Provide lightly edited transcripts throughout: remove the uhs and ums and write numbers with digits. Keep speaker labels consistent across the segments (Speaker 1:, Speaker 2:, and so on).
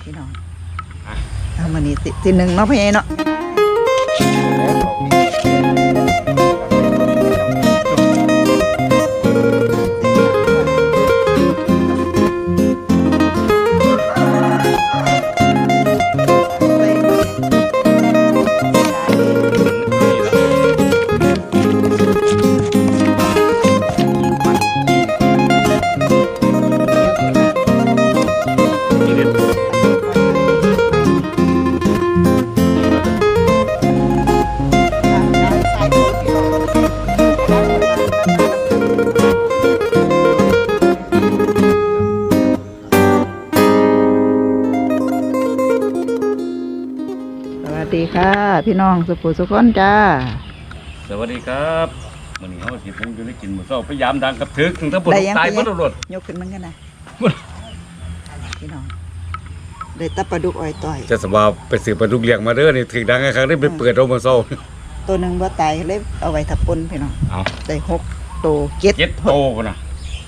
Speaker 1: พี่น้องเอามานี่สิหนึ่งเนาะพี่เนาะสวัสดีค่ะพี่น้องสุภูสุขคนจ้า
Speaker 2: สวัสดีครับวันนี้เขาสิผมอยู่ได้กินหมูเศร้าพยายามดังกับถึกถึงทั้งปวดตายหมดรถ
Speaker 1: ยกขึ้นมันกันนะพี่น้องได้ตับปลาดุกอ้อยต่อย
Speaker 2: จะสบายไปสืบปลาดุกเลี้ยงมาเด้อนี่ถึงดังครั้งได้ไปเปิดเอาหมูเศร้า
Speaker 1: ตัวหนึ่งบ่ตายเลยเอาไว้ทับปนพี่น้องได้6 ตัว
Speaker 2: 7 โตกันนะ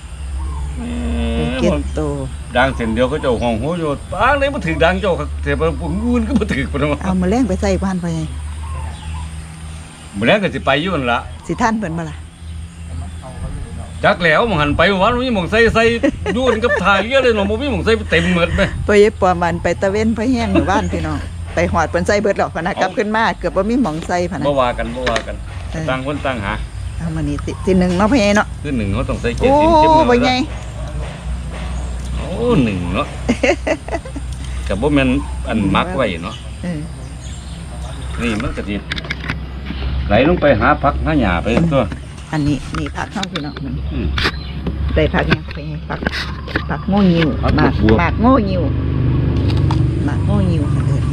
Speaker 1: 7 ตัว
Speaker 2: ดังเส้นเดียวก็เจ้าห้องหัวโยดปางเลยมาถึงดังเจ้าเสียบปุ่นงูนก็มาถึงปน
Speaker 1: เอามาแรงไปใส่บ้านไปไง
Speaker 2: มื้อแรกก็สิไปอยู่นั่นล่ะ
Speaker 1: สิท่านเพิ่นบ่ล่ะ
Speaker 2: จักแล้วมันหันไปวันมีหม่องใส่ยุ่นกับถ่ายเยอะเลยเนาะบ่มีหม่องใส่เต็มหมดแม่
Speaker 1: ไปเย็บปอมันไปตะเว้นพะแห้งหมู่บ้านพี่น้องไปหอดเพิ่นใส่เบิดหรอกพะนะกลับขึ้นมาเกือบบ่มีหม่องใส่พะนะ
Speaker 2: บ่ว่ากันต่างคนต่างหา
Speaker 1: เอามานี่สิหนึ่งเนาะพี่เนาะ
Speaker 2: คือ1เขาต้องใส่เกล็ด
Speaker 1: สิเข้มๆบ่ใหญ่
Speaker 2: โอ้หนึ่งเนาะกับบ่แม่นอันมักไว้เนาะนี่มันก็สิไหลลงไปหาผักหาหญ้าไปตัว
Speaker 1: อันนี้นี่ผักเข้าพี่น้องได้ผักยังไปผักโง่งิ้วหมากโง่งิ้วค่ะเด้อ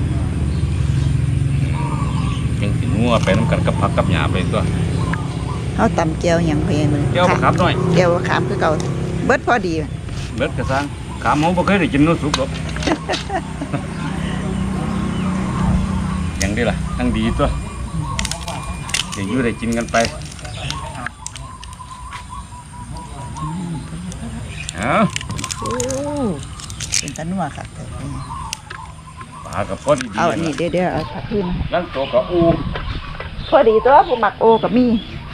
Speaker 2: ยังสิงัวไปนำกันกับผักกับหญ้าไปตัว
Speaker 1: เฮาตำแก้วหยังไปมื้อ
Speaker 2: แก้วมะขามน้อย
Speaker 1: แก้วมะขามคือเก่าเบิดพอดี
Speaker 2: เบิดกระซังขามเฮาบ่เคยได้กินนู้สุกหรอกยังดีล่ะทั้งดีตัวจะอยู่ได้กินกันไป
Speaker 1: โอ้เป็นตะนัวค่ะ
Speaker 2: ปลากับพอดี
Speaker 1: เอาอันนี้เดี๋ยวเอาผักขึ้น
Speaker 2: นั่นตัวกับอู
Speaker 1: พอดีตัวผู้หมักโอกับมี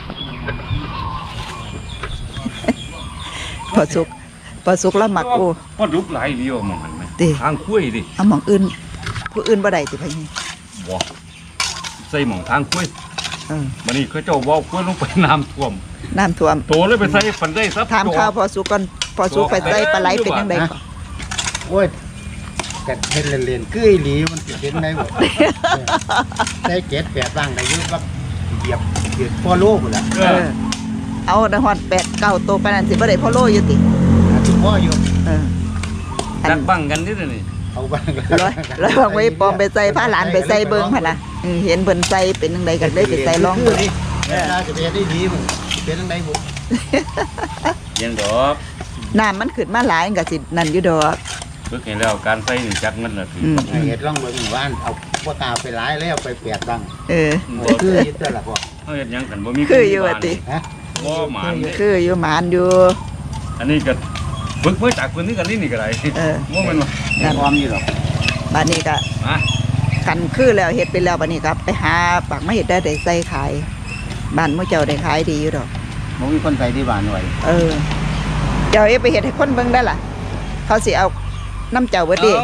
Speaker 1: พอสุกแล้วหมักโอ
Speaker 2: พอดุกหลายเดียวมองเห็นไหมทางคุ้ยดิ
Speaker 1: เอาหม่องอื่นผู้อื่นบ่ได้สิพี่
Speaker 2: บ่ใส่หม่องทางคุ้ยมื้อนี้เขาเจ้าว่าคุ้ยลงไปน้ำท่วมโตเลยไปใส่ฝันได้ซับ
Speaker 1: ถามข้าวพอสุกก่อนพอสุกไปใส่ปลาไหลเป็นจังได๋ก่อน
Speaker 3: โอ้ยกัดเฮ็ดเล่นๆคืออีหลีมันสิเป็นได้บ่ได้7 8บ้างได้อยู่บักเหยียบพอโลพุ่นล่ะ
Speaker 1: เอาได้ฮอด8 9ตัวปานนั้นสิบ่ได้พอโลอยู่ติ
Speaker 3: ทุกพ่ออยู่
Speaker 2: ดักบังกันนิดนี่
Speaker 3: เอาบ้าง
Speaker 1: แล้ววางไว้ปอมไปใส่ผ้าหลานไปใส่เบิ่งหั่นล่ะเห็นเพิ่นใส่เป็นจังไดก็เลยไปใส่ลองเบิ่ง
Speaker 3: เวลาจะไปได้ดีมันเป็นจังไดบ่
Speaker 2: ยังดอก
Speaker 1: น้ำมันขึ้นมาหลายก็สินั่นอยู่ดอก
Speaker 2: ฝึกให้แล้วการใส่นี่จักมันน่ะ
Speaker 3: เฮ็ดลองเบิ่งว่านเอาบ่ตาไปหลายแล้วไป8บ้างคือยึดแต่ละบ่
Speaker 2: เฮ็ดหยังกันบ่มี
Speaker 1: คืออยู่ว่าติ
Speaker 2: บ่หมาน
Speaker 1: คืออยู่หมานอยู่
Speaker 2: อันนี้ก็ฝึกมาจากพื้นที่กันนี่ก็ได้บ่แม่นว่า
Speaker 3: นั่นออมอยู่ดอก
Speaker 1: บัดนี้ก็กันคือแล้วเฮ็ดไปแล้วบัดนี้ก็ไปหาปักมาเฮ็ดได้ใส่ขายบ้านมื้อเจ้าได้ขายดีอยู่ดอก
Speaker 3: บ่มีคนใส่ที่บ้านไว้
Speaker 1: เจ้าไปเฮ็ดให้คนเบิ่งได้ล่ะเขาสิเอาน้ำเจ้าเบิดดิ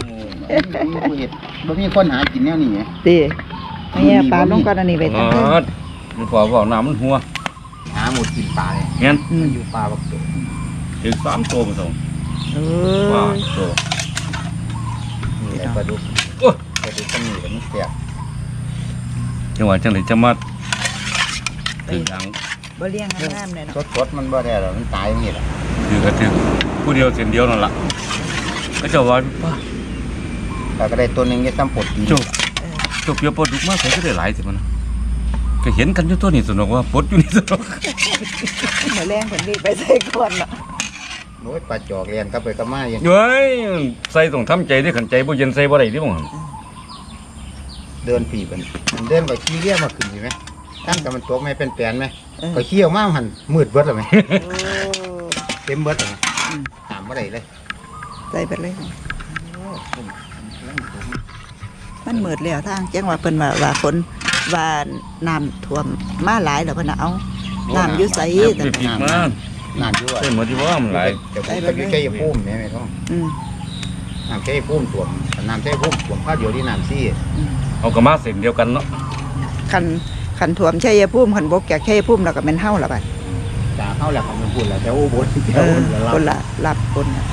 Speaker 3: บ่มีคนหากินแนวนี้ไง
Speaker 1: ติเนี่ยปลาลงก่อนอันนี้ไปทั้ง
Speaker 2: มันพอบอกน้ำมันหัว
Speaker 3: หาหมดกินปลาเลย
Speaker 2: งั้น
Speaker 3: มันอยู่ปลาบักตัว
Speaker 2: ถึง3 ตัวมาส่งว้าตัว
Speaker 3: นี่ปลาดุกปลาดุกต้องมีกันแซ่บ
Speaker 2: จังหวะจังเลยจะมาถึงดัง
Speaker 1: บ่เลี้ยงงามเลยเนาะ
Speaker 3: สดมันบ่ได้หรอกมันตายอย่างนี้แหละ
Speaker 2: คือก็ถึงผู้เดียวเส้นเดียวนั่นล่ะก็จะว่า
Speaker 3: ป้าก็ได้ตัวนึงจะซ้ำปด
Speaker 2: จบเยอะปลดดุกมากใส่ก็ได้หลายสิมันก็เห็นกันอยู่ตัวนี้สนุกว่าปลดอยู่นี่สนุก
Speaker 1: มาแรงผลดีไปใส่ก่อนเนาะ
Speaker 3: โอ้ยปลาจอกเรียนก็ไปก็มาอย่าง
Speaker 2: เฮ้ยใส่ต้องทำใจด้วยขันใจบ่เย็นใส่บ่ได้ดิบ่
Speaker 3: เดินผีมันเดินไปขี้เลี้ยมาขึ้นใช่ไหมตั้งแต่มันตัวไม่เป็นแปลนไหมก็เขี้ยวมากหันมืดเบิดเลยไหมเต็มเบิดเลยถามบ่ได้เลย
Speaker 1: ใส่ไปเลยมันเหมือดแล้วทางจังว่าเพิ่นว่าฝนว่าน้ำท่วมมาหลายแล้วเพิ่นน่ะเอาน้ำอยู่ไส
Speaker 2: แต่
Speaker 1: แต่
Speaker 2: ผิดมา
Speaker 3: น้ำยั่ว
Speaker 2: เส้นหมดที่ว่ามันหลาย
Speaker 3: จะพูดไปใกล้ๆพุ่มแม่ไม่ต้อง
Speaker 1: อืม
Speaker 3: น้ำใกล้พุ่มถ่วมน้ำใกล้พุ่มถ่วมข้าวเดียวที่น้ำซี่
Speaker 2: เอากระมาเส้นเดียวกันเนาะ
Speaker 1: คันท่วมชัยภูมิคันบกจากชัยภูมิแล้วก็แม่นเฮาล่ะบัด
Speaker 3: จ่าเข้าแหละของมันพูดแล้วแต่อุบล
Speaker 1: เออคนละรับคนน่ะ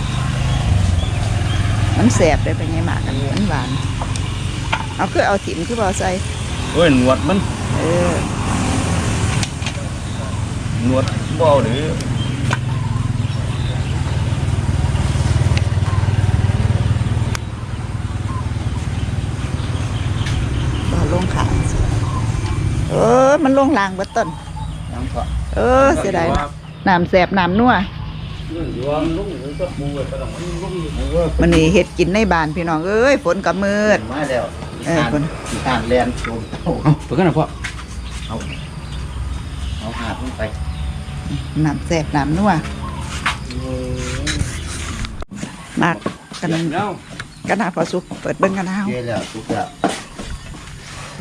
Speaker 1: มันแสบได้ไปไงหมากกันมันหวานเอาคือเอาถิ่มคือบ่เอาใส่
Speaker 2: เอ้ยหนวดมัน
Speaker 1: เออ
Speaker 2: หนวดบ่เอาหรือ
Speaker 1: บ่ลงขาเออมันลงลางเบิดต้น
Speaker 3: น้ำก็
Speaker 1: เออเสียดายน้ำแสบน้ำนัว
Speaker 2: รวมลุงหรือก็ปูไปต้องมันลุง
Speaker 1: มันนี่เฮ็ดกินในบ้านพี่น้องเอ้ยฝนก็มืด
Speaker 3: มาแล้ว
Speaker 1: เออคน
Speaker 3: ทานแลนโจมเพื่อนนะพ่อเอาหาดลงไป
Speaker 1: น้ำแสบน้ำนัวมากกัน
Speaker 2: แล้ว
Speaker 1: กันหาพอสุกเปิดเบิ่งกันเอา
Speaker 3: เยอะแล้วทุกอย่าง
Speaker 1: โอ้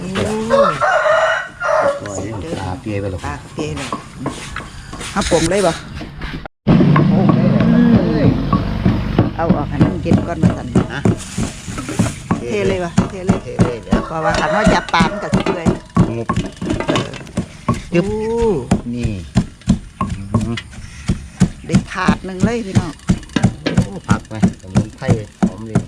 Speaker 3: ตาเปียไปหรอก
Speaker 1: ปากเปรี้ยเลยเอาผมเลยบ่เอาออกให้มันกินก่อนมาสั่น
Speaker 3: ฮะ
Speaker 1: เทเลยวะเทเลย
Speaker 3: เทเลยแล้ว
Speaker 1: เพราะว่าคันว่าจับปลามันก็สิเลย
Speaker 3: งบ
Speaker 1: ยู
Speaker 3: นี่
Speaker 1: ได้ถาดหนึ่งเลยพี่น้อง
Speaker 3: ผักไหมสมุนไพรหอมเลย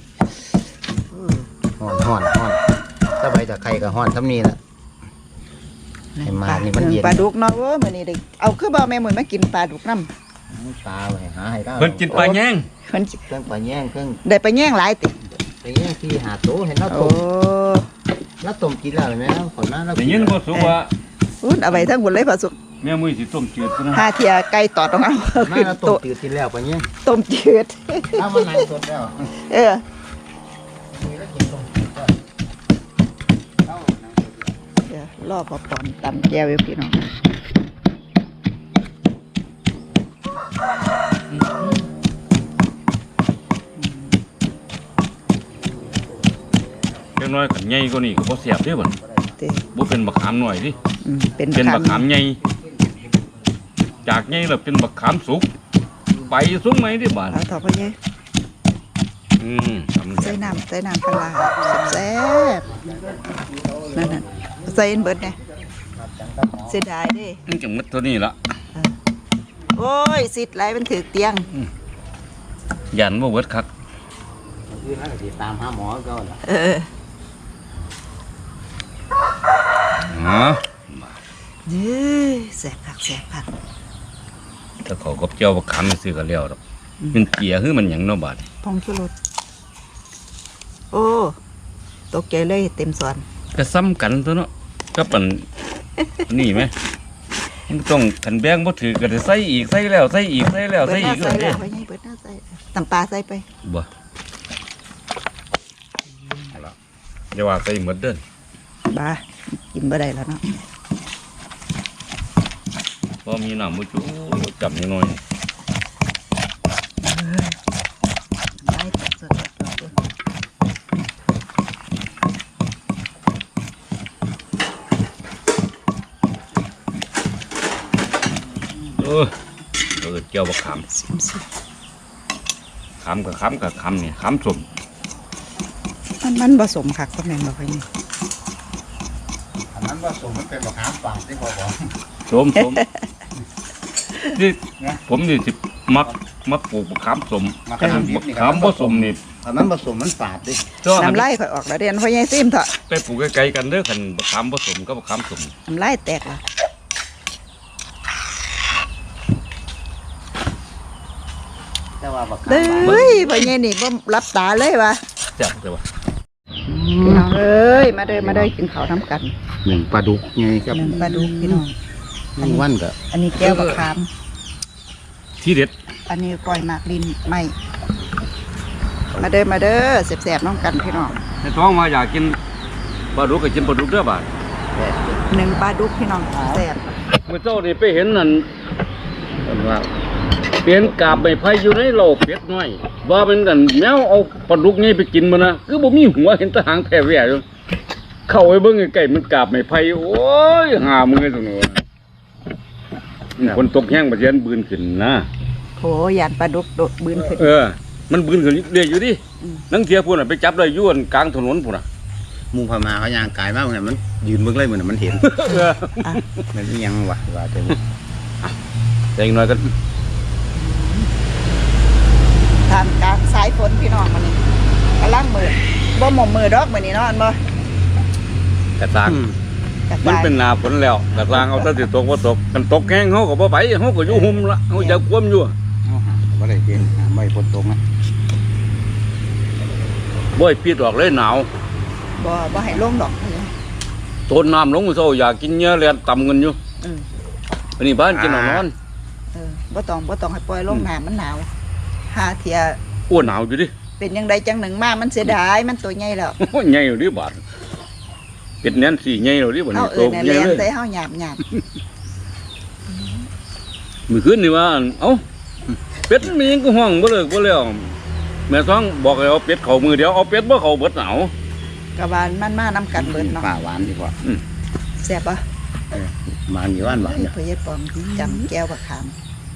Speaker 3: ห่อนถ้าใบตะไคร้ก็ห่อนทำนี่แหละ ให้มานี่มันเย็น
Speaker 1: ปลาดุกเนาะโอ้มื้อนี้ได้เอาคือบ่แม่มื้อมากินปลาดุกนำ
Speaker 3: ปลาไปหาให้ได้
Speaker 2: เพิ่นกินปลาแย่ง
Speaker 1: เพิ่น
Speaker 3: เครื่องปลาแย่งเครื่อง
Speaker 1: ได้ไปแย่งหลายติ
Speaker 3: ไปแย่งที่หาโตเห็นแล้ว
Speaker 1: โอ้
Speaker 3: ต้มแล้วต้มกินแล้วเห็นไหมขอนมาแล้ว
Speaker 2: ได้ยินบ่สุว่า
Speaker 1: อุ๊ยเอาไว้ทั้งหมดเลยพอสุก
Speaker 2: แม่มุ้ยสิต้มจืดซะนะ
Speaker 1: ห้าเที่ยไก่ตอดต้องเอา
Speaker 3: มา
Speaker 1: ขึ้น
Speaker 3: แล้วต้ม
Speaker 1: โต๊ะ
Speaker 3: จืดกินแล้วปลาแย่ง
Speaker 1: ต้มจืด
Speaker 3: ถ้ามันไหนสดแล้ว
Speaker 1: เออ
Speaker 3: มีแล้วกินต้มจืดก็เอา
Speaker 1: เดี๋ยวรอพอปอนตำแก้วอยู่พี่น้อง
Speaker 2: เล็กน้อยกันใหญ่กว่านี้ก็บ่แซ่บเด้อบัด
Speaker 1: เต้
Speaker 2: บ่เป็นบักขามหน่อยดิ
Speaker 1: เป็น
Speaker 2: เป็นบักขามใหญ่จากใหญ่แล้วเป็นบักขามสุกไปสุกไหมดิบาด
Speaker 1: เอาต่อไปเย
Speaker 2: ทำ
Speaker 1: ใส่น้ำปลาร้าแซ่บๆนั่นน่ะใส่อันเบิดไงเสียดายเด้
Speaker 2: มันจะหมดเท่านี้ละ
Speaker 1: โอ้ยสิทธิ์ไรมันถือเตียง
Speaker 2: ยันบ่เบิดคัก
Speaker 3: คือนั่นก็สิตามหาหมอก็ล่ะ
Speaker 1: เออ
Speaker 2: อ๋อ
Speaker 1: เย้แซ่บผักแซ่บผัก
Speaker 2: ถ้าเขากับเจ้าบักขามซื้อก็แล้วดอกมันเกียคือมันหยังเนาะบาด
Speaker 1: พองชูรสโอ้ตกใจเลยเต็มสวน
Speaker 2: ก็ซ้ำกันตัวเนาะกับอัน นี่ไหมมันต้องขันแบงบ่ถือก็ได้ใส่อีกใส่แล้วใส่อีกใส่แล้ว
Speaker 1: เปิ
Speaker 2: ใส่
Speaker 1: ดหน้า
Speaker 2: อีก
Speaker 1: ใส่
Speaker 2: เด้
Speaker 1: แล้วไปไงเปิดหน้าใส่ตำปลาใส่ไป
Speaker 2: บ่เอาล่ะอย่าว่าใส่หมดเด้อ
Speaker 1: บ้ากินบ่ได้แล้วเนาะ
Speaker 2: บ่มีน้ำบ่จุจับนิดหน่อย
Speaker 1: ไปสด
Speaker 2: เกี่ยวบักขาม
Speaker 1: ซิมซิ
Speaker 2: ขามกับขามกับขามนี่ขามสม
Speaker 1: มันผสมคักก็แม่นบ่ค่อยนี่
Speaker 3: อันนั้นว่าส่งมันเป็นมะขามป่าที่พ่อบอก
Speaker 2: สมนี่ผมนี่สิมักปลูกบักขามสมบักขามบ่สมนี่
Speaker 3: อันนั้นผสมมันฝาดดิ
Speaker 1: น้ำลายค่อยออกแล้วเรียนพ่อใหญ่ซิมเถอะ
Speaker 2: ไปปลูกไกลๆกันเด้อคันบักขามบ่สมกับบักขามสม
Speaker 1: น้ำลายแตกละ
Speaker 3: แต่ว่าบักขาม
Speaker 1: เด้
Speaker 3: ป่า
Speaker 1: ยพ่อใหญ่นี่บ่รับตาเลยวะ
Speaker 2: จับแต่ว่า
Speaker 1: พี่น้องเอ้ยมาเด้อกินข้าวน้ำกัน
Speaker 3: หนึ่งปลาดุกไงครับ
Speaker 1: หนึ่งปลาดุกพี่น้อง
Speaker 3: หนึ่งวันก็
Speaker 1: อันนี้แก้วบักขาม
Speaker 2: ที่เด็ด
Speaker 1: อันนี้ก้อยหมากลิ้นไม่มาเด้อแซ่บๆน้องกันพี่น้อง
Speaker 2: ในท้องมาอยากกินปลาดุกก็กินปลาดุกเด้อบาด
Speaker 1: หนึ่งปลาดุกพี่น้องแซ่บ
Speaker 2: เมื่อเจ้านี่ไปเห็นนั่น
Speaker 3: เป็นว่า
Speaker 2: เปลี่ยนกาบไม้ไผ่อยู่ในโลกเป็ดน้อยว่าเป็นกันแมวเอาปลาดุกนี่ไปกินมันนะคือบ่มีหัวเห็นแตะหางแผ่แหว่อยู่เข้าไปเบิ่งใกล้ๆมันกาบไม้ไผ่โอ้ยหามือตรงนู้นคนตกแห้งบ่เสียนบืนขึ้นนะ
Speaker 1: โหยานปลาดุกโดดบืนขึ้น
Speaker 2: มันบืนขึ้นเรื่อยอยู่ดินังเทียพุ่นน่ะไปจับได้อยู่กลางถนนพุ่นน่ะ
Speaker 3: หมูพม่าเขาย่างกายมากเหมือนมันยืนเบิ่งเลยเหมือนมันเห็นมันอิหยังวะว่าแต่
Speaker 2: แต่อีกหน่อยก็
Speaker 1: ทางกลางสายฝนพี่น้องมันนี่กำลังมือบ่หม่อมมือดอกมื้อนี้เนาะอันบ่
Speaker 2: กระซัง
Speaker 1: กระ
Speaker 2: มัน
Speaker 1: สาย
Speaker 2: เป็นหนาฝนแล้วกระซังเอาแต่สิตกบ่ตกกันตกแห้งเฮาก็บ่ไปเฮาก็อยู่หุ่มละเฮาจะควมอยู่
Speaker 3: ไม่ได้เย็นไม่พ้นตรงนะ
Speaker 2: บ่ให้ปิดออกเลยหนาว
Speaker 1: บ่ให้ลงดอก
Speaker 2: ต้นน้ำลงมื้อเช้าอยากกินเนื้อแล่นต่ำกันอยู่
Speaker 1: อืม
Speaker 2: อันนี้บ้านกินเอานอน
Speaker 1: บ่ต้องให้ปล่อยลงน้ำมันหนาวหาเที่ย
Speaker 2: อ้วนหนาวอยู่ดิ
Speaker 1: เป็นยังไงจังหนึ่งมามันเสียดายมันตัวใหญ่แล้ว
Speaker 2: โอ้ยใหญ่อยู่ดิบาดเป็ดแน่นสิใหญ่อยู่ดิบัด
Speaker 1: เอา
Speaker 2: นี้
Speaker 1: เอิ้น
Speaker 2: ใหญ่
Speaker 1: แลน
Speaker 2: เลย
Speaker 1: ใส่เฮาหยาบ
Speaker 2: มื้อคืนนี่ว่าเอ้าเป็ดมันมีหยังก็ห้องบ่เลิกบ่แล้วแม่ท้องบอกให้เอาเป็ดเข้ามือเดียวเอาเป็ดบ่เข้าเบิดหนาว
Speaker 1: ๆกะบานมันมานํกันเบิดเนาะ
Speaker 3: ป่าหวานดีกว่า
Speaker 1: แซ่บบ่
Speaker 3: มาอยู่หวานหวานเนี่ย
Speaker 1: เพิ่นเฮ็ดปอมจำแก้วบักขาม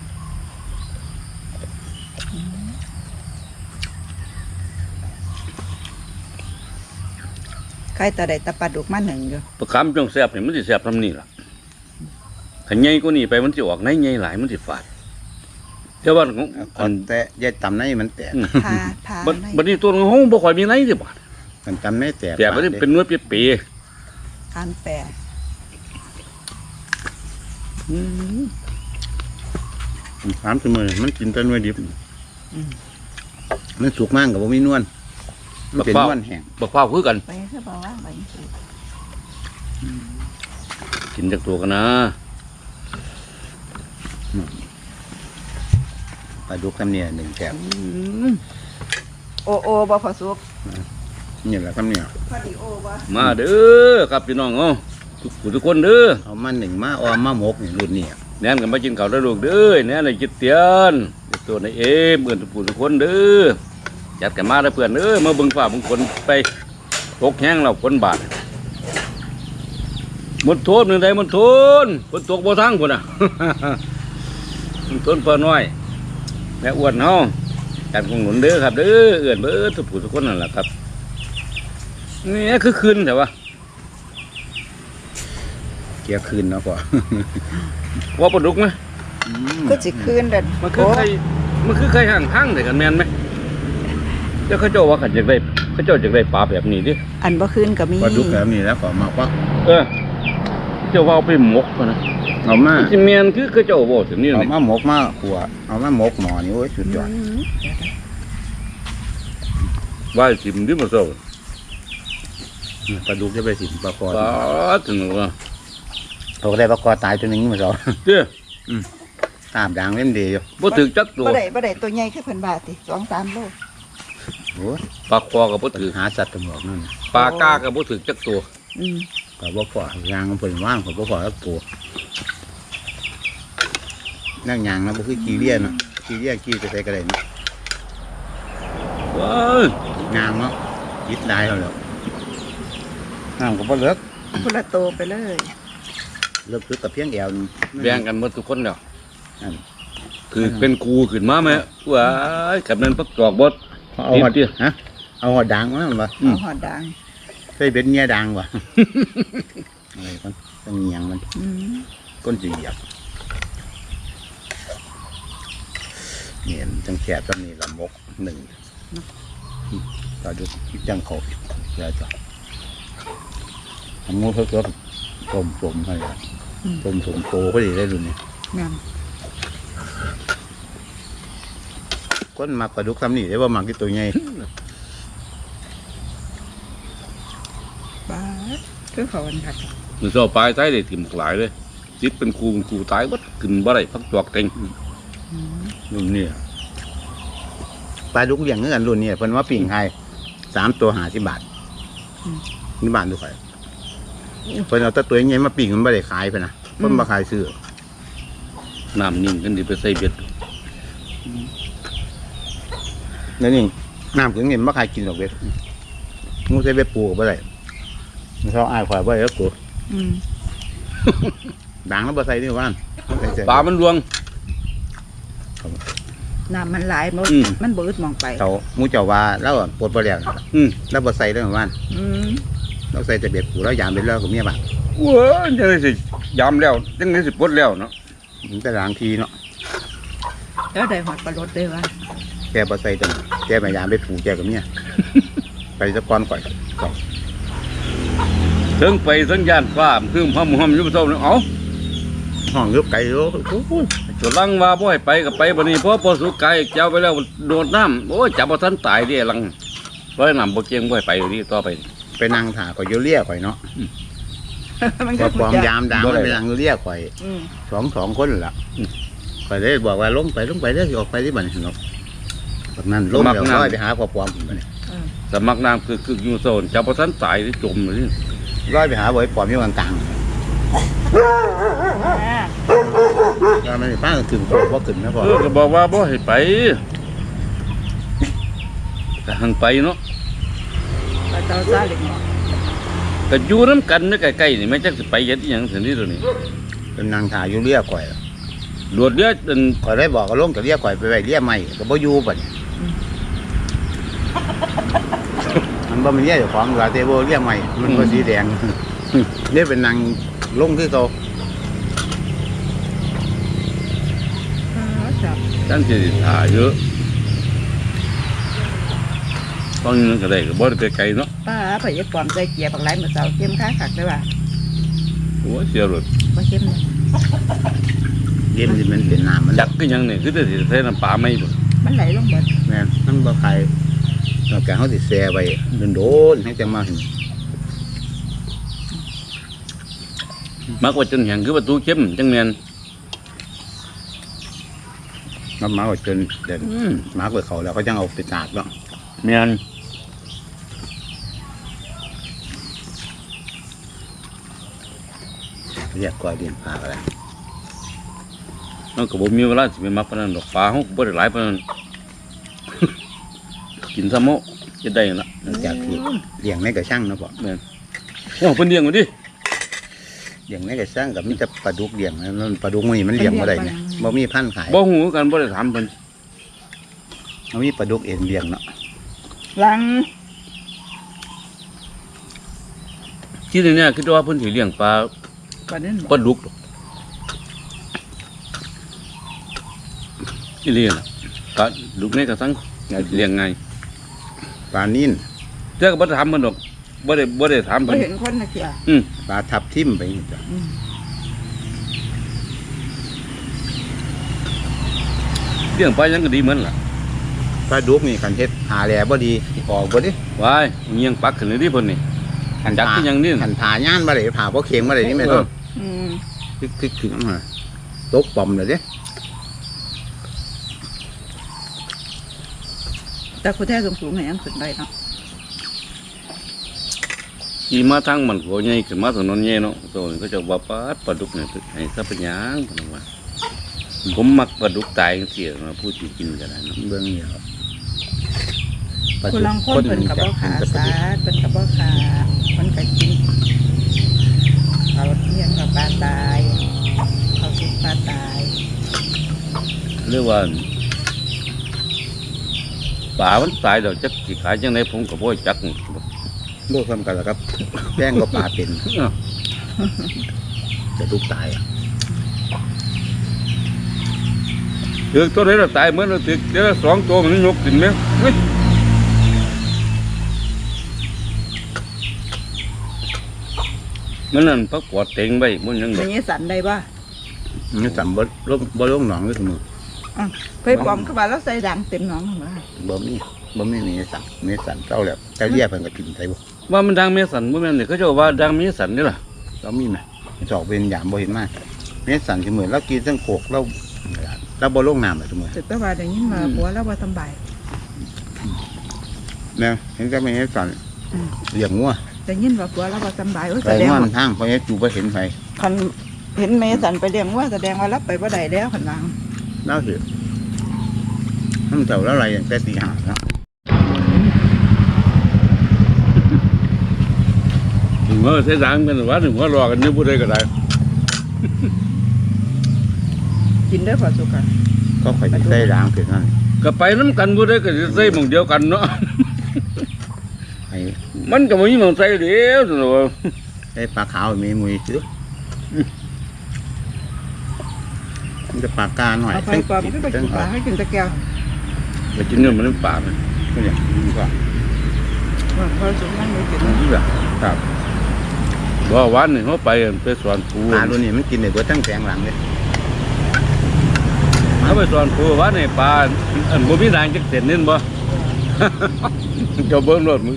Speaker 1: ใครตาได้ตะปลาดุกมาหนึ่งอยู่
Speaker 2: ประคำจังแซ่บนี่มันสิแซ่บทำนี่ล่ะถ้าใหญ่กว่านี้ไปมันสิออกในใหญ่หลายมันสิฝาดแต่ว่าของ
Speaker 3: ก่อนแต่ยายตำในมันแตก
Speaker 1: พา
Speaker 2: บัดนี้ตัวของเฮาบ่ค่อยมีในสิบาด
Speaker 3: มันตำในแตก
Speaker 2: แต่บ่ได้เป็นเนื้อเปี๊ยะ
Speaker 1: อันแปะ
Speaker 3: ถามเสมอมันกินแต่เนื้อดิบมันสุกมากกับว่ามีนวลมันเป็นนวลแห้ง
Speaker 2: บักพร้าวคือกัน
Speaker 1: ไปซะบ่ว่าไปสิ
Speaker 2: กินจากตัวกันนะ
Speaker 3: ปลาดุกคำเนี่ยหนึ่งแกบ
Speaker 1: โอบ่พอสุก
Speaker 3: นี่แหละคำเนี่ย
Speaker 1: พอดีโอบ่
Speaker 2: มาเด้อครับพี่น้องเอ้าทุกคนเด้อ
Speaker 3: เอามาหนึ่งมาออมมาหมกนี่รุ่นนี้
Speaker 2: แน่นกันมากินข้าวได้ลูกเด้อแน่นเลยจิตเตียนตัวในเอเบื่อทุกคนเด้อจัดกันมาได้เพื่อนเด้อมาเบิ่งฟ้าเบิ่งฝนไปตกแห้งเราฝนบาดหมดโทษหนึ่งใดหมดโทษฝนตกบ่ทั้งพุ่นน่ะ หมดโทษพอน้อยแม่อ้วนเฮาจัดของหนุนเด้อครับเด้อเอื้อนเบิดทุกคนนั่นแหละครับนี่คือคืนแต่ว่า
Speaker 3: เกี่ยวคืนเนาะพ่อ
Speaker 2: ว่าปลาดุกไหม
Speaker 1: ก็สิคืนเด้อ
Speaker 2: มันคือใครห่างข้างแต่กันแมนไหมแล้วเขาเจ้าว่าเขาจะได้เขาเจ้าจะได้ปลาแบบนี้ดิ
Speaker 1: อันบ่คืนก็มี
Speaker 3: ปลาดุกแบบนี้แล้วก็มาว่า
Speaker 2: เจ้าว่าเอาไปหมกก่อนนะ
Speaker 3: เอามา
Speaker 2: จิแมนคือเขาเจ้าบอกถึงนี่
Speaker 3: เอา
Speaker 2: เลย
Speaker 3: มาหมกมาขัวเอามาหมกหมอนี่โอ้ยสุดยอด
Speaker 2: ว่าสิมดิมาโซ่
Speaker 3: ปลาดุกจะไปสิปลาคอ
Speaker 2: ปลาถึงว่า
Speaker 3: เขาก็ได้ปลาคอตายตัวหนึงมาสอง
Speaker 2: เจ้า
Speaker 3: ตามด่างเล่นดีอยู่
Speaker 2: บ่ถึงจักตัว
Speaker 1: บ่ได้ตัวใหญ่คือเพิ่นบาทติ 2-3 โล
Speaker 3: โอ้ย
Speaker 2: ปลาคอกับบ่ถึง
Speaker 3: หาสัตว์ตำรวจนั่น
Speaker 2: ปลากากับบ่ถึงจักตัว
Speaker 1: อืม
Speaker 3: ก็บ่พอยางมันเพิ่นว่างก็บ่พอแล้วปูนั่งยางนะบ่คือขี้เลี้ยเนาะขี้เลี้ยขี้ไปใส่กระไดเนาะ
Speaker 2: ว้าย
Speaker 3: ยางเนาะยิดได้แล้วน้ำก็บ่เลิก
Speaker 1: พุ่นละโตไปเลย
Speaker 3: เลิกคือกับเพียงแอวนี่
Speaker 2: แบ่งกันหมดทุกคนแล้ว
Speaker 3: นั่น
Speaker 2: คือเป็นครูขึ้นมาไหมว้ายกับนั้นปักจอกบด
Speaker 3: เอาหอดฮะเอาหอดด่างมาบ่
Speaker 1: เอาหอดด่าง
Speaker 3: ใส่เบ็ดเงี้ยด่างบ่อะไรกันต้องเงียงมัน
Speaker 1: อืม
Speaker 3: ก้นสิเหยียบเนี่ยจังแคบตอนนี้ละมกหนึ่งต่อดูจังเขาแล้วจ้ะทำงูเพิ่มต้มให้ละต้มสมโตก็ดีได้ดูนี่
Speaker 1: แม่น
Speaker 3: ก้นมักปลาดุกทำนี่ได้ว่ามักที่ตัวใหญ่
Speaker 1: บาดคือเขาอันคัก
Speaker 2: มือเสาปลายใต้ได้ถิ่มหลายเลยจิตเป็นครูตายบัดขึ้นบ่ได้พักจอกเต็ง
Speaker 3: รุ่นนี้ปลาดุกเลี้ยงเงินรุ่นนี้เพิ่นว่าปิ่งไทย3 ตัว50 บาทนี่บ้านดูใครเพิ่นเอาแต่ตัวใหญ่มาปิ่งมันไม่ได้ขายเพิ่นนะเพิ่นมาขายซื้อ
Speaker 2: น้ำนิ่งกันดีไปใส่เบ็ด
Speaker 3: แล้วนี่น้ำถึงเงินไม่ใครกินหรอกเบ็ดงูใส่เบ็ดปูไปเลยมันเขาอ้ายข่อยไปแล้วกู
Speaker 1: อืม
Speaker 3: ด่างแล้วบ่ใส่นี่ว่าน
Speaker 2: ปลามันรวง
Speaker 1: น้ำมันหลายมัน
Speaker 2: อืม
Speaker 1: มันบืดมองไป
Speaker 3: เขามูเจ้าว่าแล้วปวดบ่แล้ว
Speaker 2: อืม
Speaker 3: แล้วบ่ใส่ได้ว่าน
Speaker 1: อืม
Speaker 3: เราใส่แต่เบ็ดปูแล้วยามเบ็ดแล้วก็เมียบ้าน
Speaker 2: โอ้ยจังไดสิยามแล้วจังไดสิปลดแล้วเนาะ
Speaker 3: มันจะล้างทีเนาะ
Speaker 1: แล้วได้หอดปลาลดด้วยวะ
Speaker 3: แกบ่ใส่แต่แกมายามเบ็ดปูแกกับเมียไปสะก้อนก่อย
Speaker 2: ถึงไปสัญญาณฟ้าคือพำหอมอยู่บ่เท่านั้นเอ้า
Speaker 3: ห้องยุบไก่โอ้ย
Speaker 2: จลังว่าบ่ให้ไปก็ไปบัดนี้เพราะพอสุกไก่เจ้าไปแล้วโดดน้ำโอ้ยจับบ่ทันตายเด้ลังร้อยน้ำบ่เก่งบ่ให้ไปอยู่นี่ต่อไป
Speaker 3: ไปนั่งถ่าข่อยอยู่เลี้ยข่อยเนาะ
Speaker 1: มัน
Speaker 3: พอปลอมยามด่างมันไปนั่งอยู่เลี้ยข่อย
Speaker 1: อืม
Speaker 3: สองคนล่ะข่อยเลยบอกว่าลงไปเด้อสิออกไปที่บ้านเนาะแบบนั้นลงเดี๋ยวร้อยไปหาพอปลอมบัดนี้
Speaker 2: สมัครน้ำคืออยู่โซนจับบ่ทันตายที่จมอยู่นี่
Speaker 3: ร้อยไปหาบ่อยปลอมอยู่กลางๆก็ไม่ได้ป้าถึงบ่ขึ้นนะพ่อ
Speaker 2: ก็บอกว่าบ่ให้ไปก็หังไปเนาะ
Speaker 1: ปลาเต้าซาเล็กน้อย
Speaker 2: ก็อยู่น้ำกันนี่ใกล้ๆนี่ไม่จักสิไปเฮ็ดอีหยังซั่นนี่ตัวนี้
Speaker 3: เป็นนางถ่ายอยู่เลี้ยข่อย
Speaker 2: โดดเรือจน
Speaker 3: ข่อยได้บอกก็ลงกับเลี้ยข่อยไปไว้เลี้ยใหม่ก็บ่อยู่บัดนี้มันบ่มีเลี้ยเจ้าของว่าแต่บ่เลี้ยใหม่มันบ่สีแดงนี่เป็นนางลงคือเขา
Speaker 1: จับ
Speaker 2: จังสิถ่าเยอะตอนนี้ก็ได้ก็บ่ได้ไปไกลเนาะ
Speaker 1: ป้าไปยัดปลอมใจเกียร์ปักไหลมาเสาเข้มข้าขักได้ป่ะ
Speaker 2: โอ้ยเสียรถ
Speaker 1: บ่เข้มเลย
Speaker 3: เลี้ยมันสิมันเป็นน้ำมัน
Speaker 2: จักก็ยังนี่คือได้สิใส่น้ำปลาไหมบ่
Speaker 1: มันไหลลงเบิด
Speaker 3: แม่นมันบ่ใครนอกจากเขาสิแซ่ไว้โดนๆให้จังมาเห็น
Speaker 2: มักว่าจนแห้งคือประตูเข้มจังแม่น
Speaker 3: มันมาว่าจนเดินมาเปิดเขาแล้วเขาจังเอาไปตากเนาะ
Speaker 2: แม่น
Speaker 3: เรียกก้อยเดียนปลาอะไร
Speaker 2: มันก็บ่มีเวลาสิไปมักปานนั้นดอกปลาเฮาก็บ่ได้หลายปานนั้น กินซะโมจะได้ล่ะ
Speaker 3: นอกจากที่เลี้ยงในกระช่างเนาะพ่อ
Speaker 2: แม่นโอ้เพิ่นเลี้ยงบ่ดิ
Speaker 3: เลี้ยงในกระช่างกับมีแต่ปลาดุกเลี้ยงนะมันปลาดุกมันนี่มันเลี้ยงบ่ได้เนี่ยบ่มีพันธุ์ขาย
Speaker 2: บ่ฮู้กันบ่ได้ถามเพิ่น
Speaker 3: มันมีปลาดุกเอ็นเลี้ยงเนาะ
Speaker 1: ลัง
Speaker 2: ที่นี่คิดว่าเพิ่นสิเลี้ยงปลา
Speaker 1: ปลาเด่น
Speaker 2: ปลาดุกดอกอีเลี้ยงน่ะปลาดุกนี่ก็ทั้งเลี้ยงง่าย
Speaker 3: ปลานิ่น
Speaker 2: แต่ก็บ่ได้ถามเพิ่นดอกบ่ได้ถาม
Speaker 1: บ่
Speaker 2: เพิ่น
Speaker 1: เห็นคนนะเกีย
Speaker 3: ปลาทับทิ่มไปนี่จ้ะ
Speaker 2: เลี้ยงปลายังก็ดีเหมือนล่ะ
Speaker 3: ปลาดุกนี่คันเฮ็ดหาแลบ่ดีออกบ่ดิ
Speaker 2: วายเงียงปักขึ้นเลยดิเพิ่นนี่
Speaker 3: คัน
Speaker 2: จักที่ยังนี่
Speaker 3: คันผ่าย่านบ่ได้ผ่าบ่เข็งบ่ได้นี่แม่นบ่
Speaker 1: อืม
Speaker 3: คึกถึงมาตกปอมเลยเด้
Speaker 1: แต่คุณแท้สูงๆเนี่ยยังขึ้นได้เนาะ
Speaker 2: ขี่มาทางมันก็ใหญ่ขึ้นมาถนนใหญ่เนาะโซนก็จะว่าปลาดุกเนี่ยให้ซะเป็นหยังเพิ่นว่าผมมักปลาดุกตายจังซี่นะผู้ที่กินก็ได้เนาะ
Speaker 3: เบิ่งนี่ครับ
Speaker 1: คุณลองคนเป็นกับบ่ขาสาเป็นกับบ่ขาคนกับกินเขาเนี่ยกับปลาตายเขาซุกปลาตาย
Speaker 2: เรียกว่าปลามันตายแล้วจักสิขายจังไดผมก็บ่จัก
Speaker 3: โลกทำกันแล้วครับแป้งก็ปลาเป็นจะทุกตายอ่ะ
Speaker 2: ถึกตัวไหนเราตายเหมือนเราถึกเดี๋ยวสองตัวมันยกขึ้นไหมเฮ้ยมันนั่นพักกวาดเต็งไว้มันยังด
Speaker 1: อ
Speaker 2: อก
Speaker 1: ย่างนี้สันได้ป่ะ
Speaker 3: นี่สัมบ่ลงหนองเลยทุกมือ
Speaker 1: เคยปลอมเข้ามาแล้วใส่ดังเต็มหนองเข้ามา
Speaker 3: บ่มีมีสันเจ้าแล้วเจ้าเรียกเพิ่นก็กินใส่บ่
Speaker 2: ว่ามันดังเมสันบ่แม่นนี่เขาเจ้าว่าดังเมสันนี่ล่ะ
Speaker 3: เรามีไหมจอกเป็นยามบ่เห็นมากเมสันคือเหมือนเรากินทั้งโขกเราบ่ลงน้ำเลยทุกมือ
Speaker 1: แต่ตัวว่าอย่างนี้มาผัวแล้วว่าสบาย
Speaker 3: นะเห็นก็ไม่เห็นสันเลี้ยงงัว
Speaker 1: แต่ยินว่าผัวแล้วว่าสบาย
Speaker 3: ไป
Speaker 1: แสดง
Speaker 3: งัว
Speaker 1: ว่า
Speaker 3: มันทางเพราะงั้นจูบ่เห็นไฟ
Speaker 1: คันเห็นเมสันไปเลี้ยงว่าแสดงว่ารับไปบ่ได้แล้วขันวาง
Speaker 3: เราเห็นมันเจ้าแล้วอะไรแต่ตีหาเนาะ
Speaker 2: ถึงว่าใช้สางเป็นว่าถึงว่ารอกันนี่พูดได้ก็ได้
Speaker 1: กินได้พอสุกค่ะ
Speaker 3: ก็ข่อยสิใส่ด่างเกิดนั่น
Speaker 2: ก็ไปน้ำกันพูดได้ก็จะใส่หม่องเดียวกันเนาะ
Speaker 3: ไอ้
Speaker 2: มันก็ไม่มีหม่องใส่เดียวสิเนาะ
Speaker 3: ไอ้ปลาขาวมีมวยซื้อมันจะปลากาหน่อย
Speaker 1: เอาไปก่อนไม่ไปกินปลาให้กินตะแกว
Speaker 2: ไปกินเนื้อมันน้ำปลาไหม
Speaker 3: ก็เนี่ยมันก็
Speaker 1: พอสุกนั่งเลยกิน
Speaker 3: นี่แบบครับ
Speaker 2: ว่าวันนี่เขาไปสอนปู
Speaker 3: ปลาตัวนี้มันกินได้เบิดทั้งแผงหลังเลย
Speaker 2: เขาไปสอนปูว่าในปลาอันบ่มีด่างจักเส้นนี่บ่ เจ้าเบิ่งรถมือ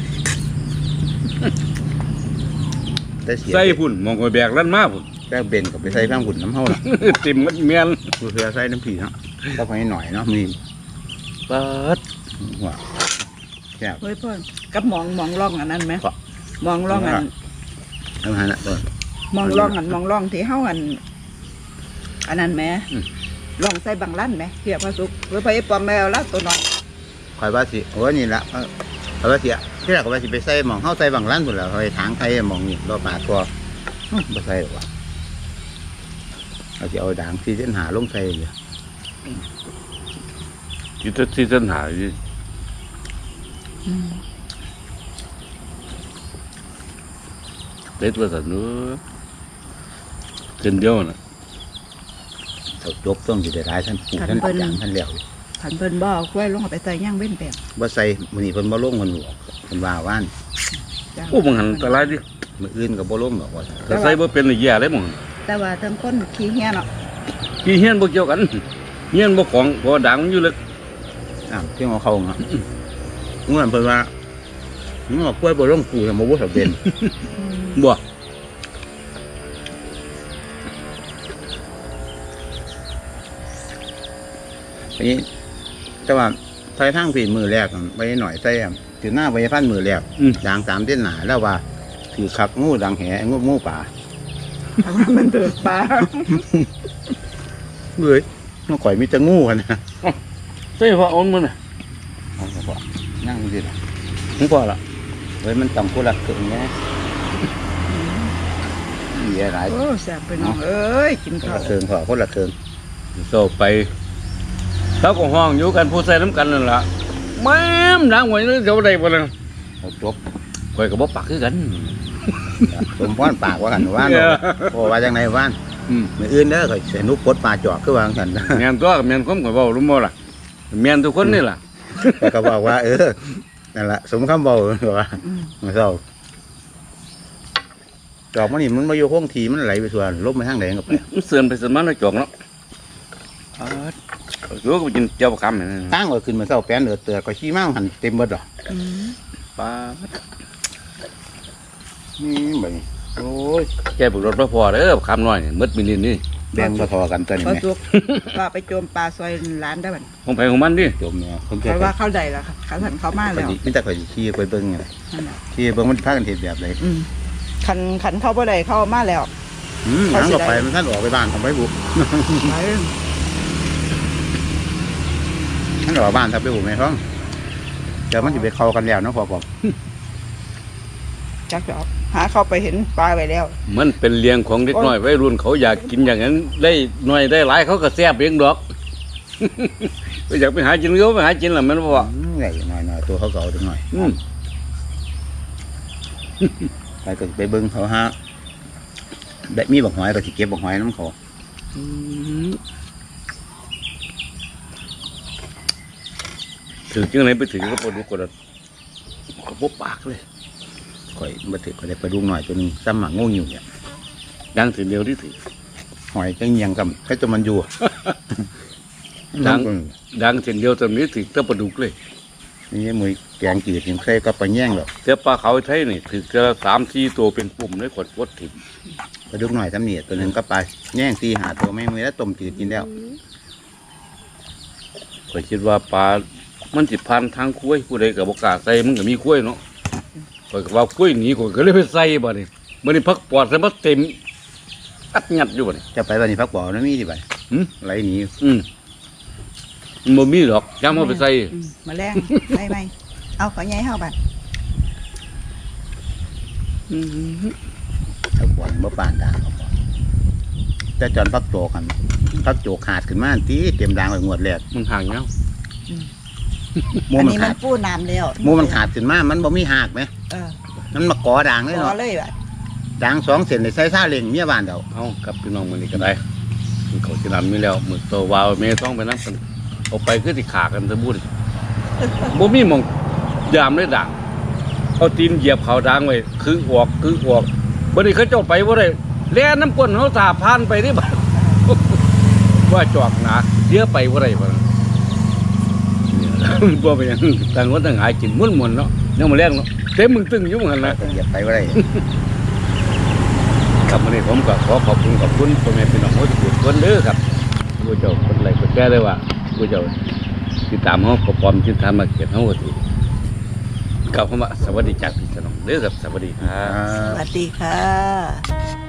Speaker 3: แต่เสีย
Speaker 2: ใส่พุ่นมองไปแบกลั่นมาพุ่น
Speaker 3: แก้วเบนกับไปใส่ข้างหุ่นน้ำเฮาล่ะ
Speaker 2: ติ่มมันเมียน
Speaker 3: ดูเสือใส่น้ำผีเนาะก็ไปหน่อยเนาะมี
Speaker 2: เปิด
Speaker 3: หัวแก้ว
Speaker 1: เฮ้ยพ่อกับมองร่องอันนั้นไหม
Speaker 3: ครับ
Speaker 1: มองร่องอัน
Speaker 3: ทั้งหันละตัว
Speaker 1: มองร่องที่เฮาอันนั้นไหมร่องใส่บางลั่นไหมเทียบพอสุกเฮ้ยพ่อไอ้ปอมแมวแล้วตัวน้อย
Speaker 3: คอยว่าสิโอ้นี่ละคอยว่าสิที่แรกก็ว่าสิไปใส่หมองเฮาใส่บางร้านพุ่นแล้วคอยทางไทยหมองนี่รอปลาตัวบ่ใส่หรอกว่ะเอาสิเอาด่างที่เส้นหาลงใส่เลย
Speaker 2: ที่เส้นหาอยู่เด็ดว่าสันเนื้อเส้นเดียวน่ะ
Speaker 3: เขาจบต้องสิได้หลายท่านปู่ท่านอาจารย์ท่านแล้ว
Speaker 1: ขันเพิ่นบ่เอากล้วยลงเอาไปใส่ย่างเว้นแปลง
Speaker 3: บ่ใส่มื้อนี้เพิ่นบ่ลงเพิ่นบอกเพิ่นว่าว่าน
Speaker 1: จ้ะ
Speaker 2: โอ้บังหันอันตรายดิ
Speaker 3: มื้ออื่นก็บ่ลงดอกว่า
Speaker 2: ถ้าใส่บ่เป็นเลยแย่เลยมึง
Speaker 1: แต่ว่าทั้งคนขี้เหี้ยเนาะ
Speaker 2: ที่เฮียนบ่เกี่ยวกันเฮียนบ่ของบ่ด่างมันอยู่เลย
Speaker 3: เที่ยงเอาเข้าเนาะเมื่อเพิ่นว่ามึงเอากล้วยบ่ลงปู่บ่บ่สำเป็น
Speaker 2: บ่
Speaker 3: อันนี้แต่ว่าใส่ทางฝีมือแรกไปหน่อยใส่ถือหน้าไปพันมือแรกด่าง3เส้นหนาแล้วว่าถือคักงูดังแหงูป่า
Speaker 1: เพราะว่ามันเดือดปลา
Speaker 3: เฮ้ยมันข่อยมีแต่งูกันนะ
Speaker 2: ใส่พออ่อนมันน่ะ
Speaker 3: เอาเถอะพ่อนั่งดิล่ะ
Speaker 2: มึงพอละ
Speaker 3: เฮ้ยมันต้องกุหลาบเกินไงมีอะไร
Speaker 1: โอ้แซ่บไปน้องเอ้ยกิน
Speaker 3: คน
Speaker 1: ข้าว
Speaker 3: ละเคิงพ่อคนละเคิง
Speaker 2: โซไปเขาก็ห้องอยู่กันผู้ใส่น้ำกันนั่นล่ะแม่มด่างไว้เลยเดี๋ยวได้บ่ล่ะ
Speaker 3: เอาจบ
Speaker 2: ข่อยก็บ่ปักคือกัน
Speaker 3: สมพรปากว่ากันว่านโอ้ว่าจังไหนว่าน มืออื่นเด้อข่อยเสียนุกปดปลาจอกคือวางกัน
Speaker 2: แม่นตัวแม่นความข่อยเว้ารู้บ่ล่ะแม่นทุกคนนี่ล่ะ
Speaker 3: แต่ก็บอกว่านั่นแหละสมคำบอกว่ามาเศร้าจอกมันนี่มันมาอยู่ห้องทีมันไหลไปส่วนลบไปทางไหนกับไป
Speaker 2: มันเสื่อนไปเสื่อนมาแล้วจอกเนาะอยู่ก็ไปกินเจียวประคำนี่
Speaker 3: ตั้งก็ขึ้นมาเศร้าแป้นเตือก็ขี้มั่งหันเต็มเบิดหรอ
Speaker 2: ปลา
Speaker 3: นี่แบบโอ้ย
Speaker 2: แกบุกรถพอเด้อคำน้อยนี่มดมิลินนี่
Speaker 3: แบ่งมาทอกันตัวนี้
Speaker 1: พอ
Speaker 3: ไหม
Speaker 1: สุกว่าไปโจมปลาซอยร้านได้บัด
Speaker 2: ของไผของมันดิ
Speaker 3: จมเนี่ยคน
Speaker 1: เพ
Speaker 3: เกิด
Speaker 1: ราะว่าเข้าใดแล้วค่ะขันเขามาแล้ว
Speaker 3: ไม่แต่ข่อยขี้ไปเบิ้งไง
Speaker 1: นั่นน่ะ
Speaker 3: ขี้เบิ้งมันพากันเห็นแบบไหน
Speaker 1: ขันเข้าบ่ได้เข้ามาแล้ว
Speaker 3: หลังก็ไปมันท่านออกไปบ้านทำไปบุก
Speaker 1: ไป
Speaker 3: ท่านออกบ้านทำไปบุกไหมท้องเดี๋ยวมันจะไปเข้ากันแล้วนะพอบอก
Speaker 1: จักจะเอาหาเข้าไปเห็นปลาไปแล้ว
Speaker 2: มันเป็นเลี้ยงของเด็กน้อยวัยรุ่นเขาอยากกินอย่างนั้นได้หน่อยได้หลายเขาก็แซ่บเองดอก ไปอยากไปหากินเขาไปหากินล่ะแมันบ่ว่า
Speaker 3: ใหญ่หน่อยตัวเขาเก่าจังหน่อย ไปก็ไปเบิ้งเขาฮะได้มีบักหอยก็สิเก็บบักหอยน้ำเขา
Speaker 2: ถือจังไหนไปถือก็ปวดหัวกดก็บ่ปากเลย
Speaker 3: ข่อยมาถือก็ได้ไปดูหน่อยตัวนึงซ้ำหมักงูอยู่เนี่ย
Speaker 2: ดังถือเดียวที่ถือ
Speaker 3: หอยจังเงียงกับแค่ตัวมันอยู่
Speaker 2: ดังเส้นเดียวตอนนี้ถือแตะปลาดุกเลย
Speaker 3: นี่มือแกงจืดยังใส่ก็ไปแย่งหรอก
Speaker 2: แต่ปลาเขาไทยนี่ถือจะ3-4ตัวเป็นปุ่มเลยกดถิ่ม
Speaker 3: ไปดูหน่อยซ้ำเนี่ยตัวนึงก็ไปแย่งตีหาตัวไม่มือแล้วต้มจืดกินแล้ว
Speaker 2: ข้อยคิดว่าปลามันสิพันทางคุ้ยผู้ใดก็บ่กล้าใส่มันก็มีคุ้ยเนาะข้อยก็ว่าคุ้ยหนีข้อยก็เลยไปใส่บัดนี้มื้อนี้พักปอดใส่มาเต็มอัดงัดอยู่บัดนี้
Speaker 3: จะไปวันนี้พักบ่อนะมีที่ไปไหลหนี
Speaker 2: อืมมันบ่มีหรอกย้ำเอาไปใส่
Speaker 1: มาแรงใส่ไหมเอาขอใหญ่เฮาบัด
Speaker 3: เอาขวานบ่ปานด่างเอาบ่แต่จอนพักโจกันพักโจขาดขึ้นมาตีเต็มด่างไว้งวดแรก
Speaker 2: มันห่างเงา
Speaker 3: หมู
Speaker 1: อัน
Speaker 3: มัน
Speaker 1: นี้มั
Speaker 3: ขาน ด
Speaker 1: ปูน้ำแล้ว
Speaker 3: หมูมันขาดขึ้นมามันบ่มีหักไหม
Speaker 1: เออ
Speaker 3: มันมาก่อด่างเลย
Speaker 1: ขอ
Speaker 3: เนาะ
Speaker 1: เลยบัด
Speaker 3: ด่าง2 เส้นในใส่ซาเล้งเมียบ้านเดา
Speaker 2: เอากับพี่น้องมันนี่ก็ได้มันเขาสินำมีแล้วมือตัววาวเมต้องไปนำกันเอาไปคือสิขากันซะบุญบ่มีหม่องยามเลยด่างเอาตีนเหยียบเขาด่างไว้คือออกบ่ได้เขาเจ้าไปบ่ได้แล่น้ำก้นเขาสาพานไปนี่บัด ว่าจอกหนาเดี๋ยวไปบ่ได้บ่บ่เป็นหยังต่างคนต่างหากินม่วนๆเนาะยังมาแรงเนาะเต็มมึงตึงอยู่เหมือนกันนะ
Speaker 3: ต้องเหยียบไปบ่ได้
Speaker 2: ครับวันนี้ผมก็ขอขอบคุณพ่อแม่พี่น้องทุกคนเด้อครับผู้เจ้าคนไรคนแก่เลยว่าผู้เจ้าติดตามเขาก็พร้อมที่ทำมาเก็บเขาก็ถือกล่าวคำว่าสวัสดีจากพี่น้องเด้อครับสวัสดีครับ
Speaker 1: สวัสดีค่ะ